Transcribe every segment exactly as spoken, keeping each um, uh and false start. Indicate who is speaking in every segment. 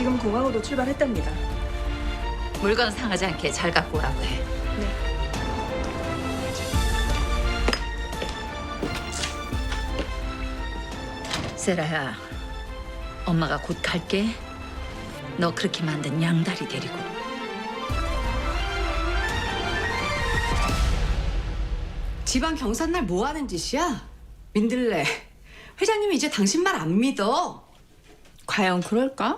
Speaker 1: 지금 공항으로 출발했답니다.
Speaker 2: 물건 상하지 않게 잘 갖고 오라고 해.
Speaker 1: 네.
Speaker 2: 세라야, 엄마가 곧 갈게. 너 그렇게 만든 양다리 데리고.
Speaker 3: 지방 경산날 뭐 하는 짓이야? 민들레, 회장님이 이제 당신 말 안 믿어.
Speaker 1: 과연 그럴까?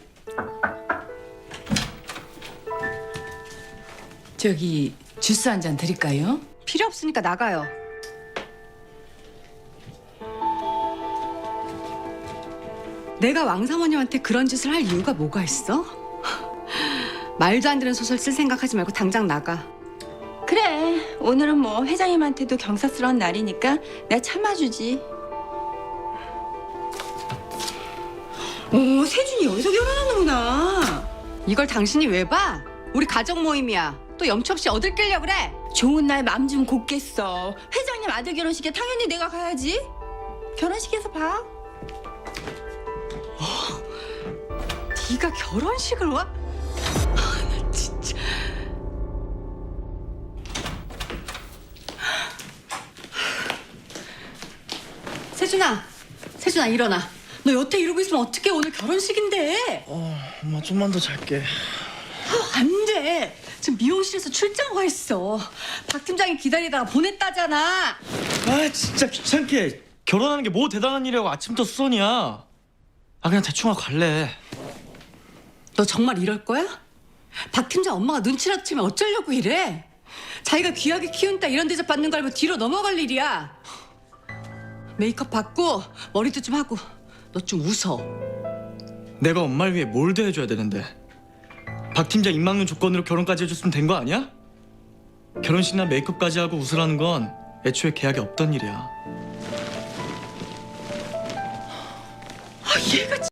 Speaker 4: 저기 주스 한 잔 드릴까요?
Speaker 3: 필요 없으니까 나가요. 내가 왕사모님한테 그런 짓을 할 이유가 뭐가 있어? 말도 안 되는 소설 쓸 생각하지 말고 당장 나가.
Speaker 1: 그래, 오늘은 뭐 회장님한테도 경사스러운 날이니까 내가 참아주지. 오, 세준이 여기서 결혼하는구나.
Speaker 3: 이걸 당신이 왜 봐? 우리 가족 모임이야. 또 염치 없이 어딜 끌려 그래?
Speaker 1: 좋은 날 맘 좀 곱겠어. 회장님 아들 결혼식에 당연히 내가 가야지. 결혼식에서 봐.
Speaker 3: 네가 결혼식을 와? 아, 나 진짜. 세준아, 세준아 일어나. 너 여태 이러고 있으면 어떡해? 오늘 결혼식인데.
Speaker 5: 어, 엄마 좀만 더 잘게.
Speaker 3: 아, 안 돼. 지금 미용실에서 출장 와 있어. 박 팀장이 기다리다가 보냈다잖아.
Speaker 5: 아, 진짜 귀찮게. 결혼하는 게 뭐 대단한 일이라고 아침부터 수선이야. 아, 그냥 대충 하고 갈래.
Speaker 3: 너 정말 이럴 거야? 박 팀장 엄마가 눈치라도 채면 어쩌려고 이래? 자기가 귀하게 키운 딸 이런 대접 받는 거 알고 뒤로 넘어갈 일이야. 메이크업 받고 머리도 좀 하고 너 좀 웃어.
Speaker 5: 내가 엄마를 위해 뭘 더 해줘야 되는데. 박 팀장 입막는 조건으로 결혼까지 해줬으면 된 거 아니야? 결혼식이나 메이크업까지 하고 웃으라는 건 애초에 계약에 없던 일이야.
Speaker 3: 아, 얘가